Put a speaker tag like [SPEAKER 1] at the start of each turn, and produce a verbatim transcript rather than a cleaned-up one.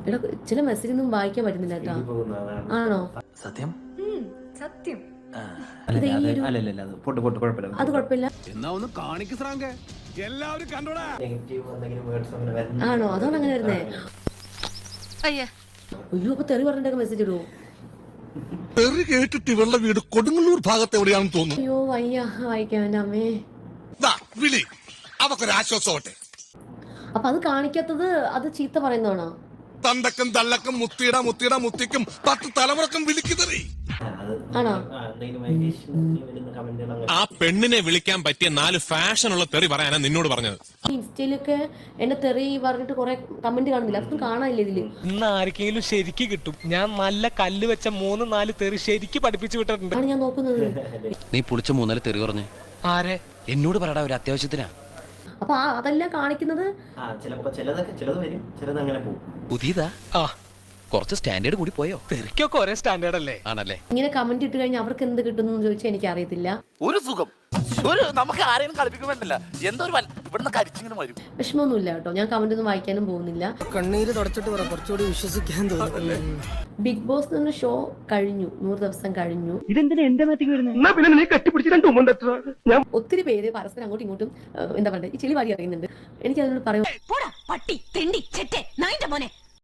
[SPEAKER 1] എടാ ചില മെസ്സേജ് ഒന്നും വായിക്കാൻ പറ്റുന്നില്ല കേട്ടോ. ആണോ?
[SPEAKER 2] സത്യം
[SPEAKER 3] സത്യം
[SPEAKER 1] ഇത് ഈ ഒരു
[SPEAKER 2] അല്ലല്ല അത് പൊട്ട് പൊട്ട് കുഴപ്പമില്ല.
[SPEAKER 1] അത് കുഴപ്പമില്ല.
[SPEAKER 4] എന്നാ ഒന്ന് കാണിക്ക് ശ്രാങ്കേ, എല്ലാവരും കണ്ടോടാ.
[SPEAKER 2] നെഗറ്റീവ് എന്തെങ്കിലും വേർഡ്സ് അങ്ങനെ വരുന്ന
[SPEAKER 1] ആണോ? അതാണ് അങ്ങനെ വരുന്നേ.
[SPEAKER 3] അയ്യേ
[SPEAKER 1] അയ്യോ അപ്പൊ തെറി പറഞ്ഞിട്ടൊക്കെ മെസ്സേജ് ഇടുവോ?
[SPEAKER 4] തെറി കേട്ടിട്ട് ഇവളുടെ വീട് കൊടുങ്ങല്ലൂർ ഭാഗത്ത് എവിടെയാണെന്ന് തോന്നുന്നു.
[SPEAKER 1] അയ്യോ വയ്യ വായിക്കാൻ എൻ്റെ അമ്മേ.
[SPEAKER 4] വിളി അവക്കൊരു ആശ്വാസമാവട്ടെ.
[SPEAKER 1] അപ്പൊ അത് കാണിക്കാത്തത് അത് ചീത്ത പറയുന്നതാണോ?
[SPEAKER 4] തന്തക്കും തള്ളക്കും മുത്തിയിട മുത്തിയിട മുത്തിക്കും പത്ത് തലമുറക്കും വിളിക്കുതറി.
[SPEAKER 1] ആണോ?
[SPEAKER 5] ആ പെണ്ണിനെ വിളിക്കാൻ പറ്റിയ നാല് ഫാഷനുള്ള തെറി പറയാനാ നിന്നോട് പറഞ്ഞത്.
[SPEAKER 1] ഇൻസ്റ്റയിലൊക്കെ എന്നെ തെറി പറഞ്ഞിട്ട് കുറെ കമന്റ് കാണുന്നില്ല, അതൊന്നും കാണാനില്ല ഇതില്.
[SPEAKER 6] ഇന്ന് ആർക്കെങ്കിലും ശരിക്ക് കിട്ടും. ഞാൻ നല്ല കല്ല് വെച്ച മൂന്ന് നാല് തെറി ശരിക്ക് പഠിപ്പിച്ചു വിട്ടിട്ടുണ്ട്.
[SPEAKER 1] ആണ് ഞാൻ നോക്കുന്നത്.
[SPEAKER 7] നീ പുളിച്ച മൂന്നാല് തെറി പറഞ്ഞേ.
[SPEAKER 6] ആരെ?
[SPEAKER 7] എന്നോട് പറയടാ, ഒരു അത്യാവശ്യത്തിനാ.
[SPEAKER 1] അപ്പൊ ആ അതെല്ലാം കാണിക്കുന്നത്
[SPEAKER 2] ആ ചിലപ്പോ ചിലതൊക്കെ ചിലത് വരും, ചിലത് അങ്ങനെ പോകും.
[SPEAKER 7] പുതിയതാ?
[SPEAKER 6] ആ
[SPEAKER 7] കുറച്ച് സ്റ്റാൻഡേർഡ് കൂടി പോയോ?
[SPEAKER 6] തെറിക്കൊക്കെ ഒരേ സ്റ്റാൻഡേർഡ് അല്ലേ?
[SPEAKER 7] ആണല്ലേ?
[SPEAKER 1] ഇങ്ങനെ കമന്റ് ഇട്ട് കഴിഞ്ഞാൽ അവർക്ക് എന്ത് കിട്ടുന്നു ചോദിച്ചാൽ എനിക്ക് അറിയത്തില്ല.
[SPEAKER 8] ഒരു സുഖം ഒരു നമുക്ക് ആരെയും കളിപ്പിക്കാൻ പറ്റില്ല. എന്തോ ഒരു ഇവിടുന്ന് കരിച്ചിങ്ങനെ വരും.
[SPEAKER 1] വിഷമമൊന്നുമില്ല കേട്ടോ, ഞാൻ കമന്റ് ഒന്നും വായിക്കാനും പോകുന്നില്ല.
[SPEAKER 6] കണ്ണീര് തുടച്ചിട്ട് പറ, കുറച്ചുകൂടി വിശ്വസിക്കാൻ തോന്നുന്നു.
[SPEAKER 1] ബിഗ് ബോസ് എന്ന ഷോ കഴിഞ്ഞു, നൂറ് ദിവസം കഴിഞ്ഞു. ഒത്തിരി പേര് പരസ്പരം അങ്ങോട്ടും ഇങ്ങോട്ടും എന്താ പറയുക ഈ ചെളി വാരി അറിയുന്നുണ്ട്. എനിക്ക് അതിനോട് പറയാം,
[SPEAKER 3] പട്ടി തെണ്ടി ചെറ്റെ നായിന്റെ മോനെ